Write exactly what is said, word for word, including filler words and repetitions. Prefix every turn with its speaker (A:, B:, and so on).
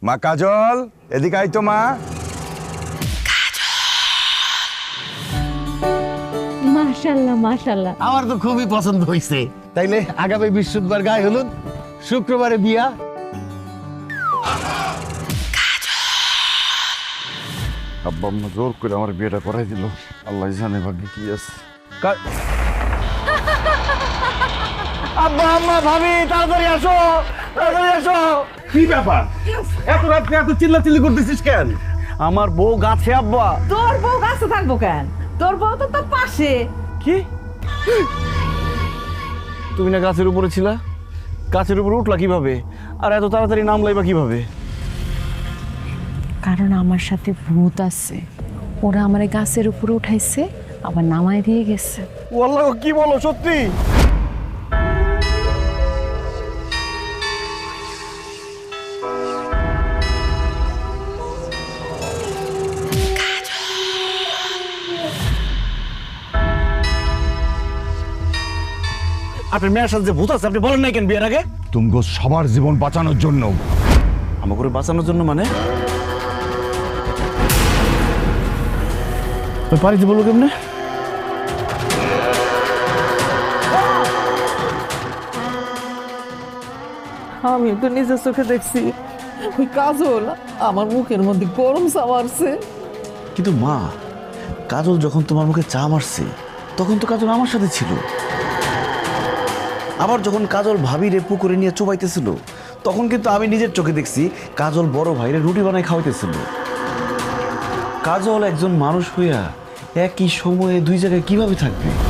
A: মা কাজল, এদিকে আই তো মা।
B: মাশাআল্লাহ মাশাআল্লাহ,
C: আমার তো খুবই পছন্দ হয়েছে। তাইলে আগামী বৃহস্পতিবার গায়ে হলুদ, শুক্রবারে বিয়া।
A: আব্বা আম্মা জোর করে আমার বিয়েটা করাই দিল। আল্লাহ জানে ভাগ্যে কি আছে।
C: আব্বা আম্মা ভাবি তাড়াতাড়ি আসো, তাড়াতাড়ি আসো। কি ব্যাপার, এত রাত্রে এত চিল্লাচিল্লি করতেছিস কেন? আমার বউ গাছে আব্বা।
D: তোর বউ গাছে থাকবো কেন? তোর বউ তো তোর পাশে।
C: কি? তুমি না গাছের উপরে ছিলা? গাছের উপরে উঠলা কিভাবে? আর এত তাড়াতাড়ি নামলাই বা কিভাবে?
B: কারণ আমার সাথে ভূত আছে, ওরা আমার গাছের উপরে উঠাইছে আবার নামায় দিয়ে গেছে।
C: ওয়াল্লাহ, কি বলো সত্যি? আপনার মেয়ের সাথে যে ভূত আছে আপনি বলেন নাই কেন বিয়ের আগে?
A: তুমগো সবার জীবন বাঁচানোর জন্য।
C: আমাকে করে বাঁচানোর জন্য মানে? বাড়িতে বলবো কেমনে?
D: আমি তো নিজের চোখে দেখছি ওই কাজল আমার মুখের মধ্যে গরম চা মারছে।
E: কিন্তু মা, কাজল যখন তোমার মুখে চা মারছে তখন তো কাজল আমার সাথে ছিল। আবার যখন কাজল ভাবিরে পুকুরে নিয়ে চোবাইতেছিল তখন কিন্তু আমি নিজের চোখে দেখছি কাজল বড় ভাইরে রুটি বানাই খাওয়াইতেছিল। কাজল একজন মানুষ হইয়া একই সময়ে দুই জায়গায় কিভাবে থাকবে?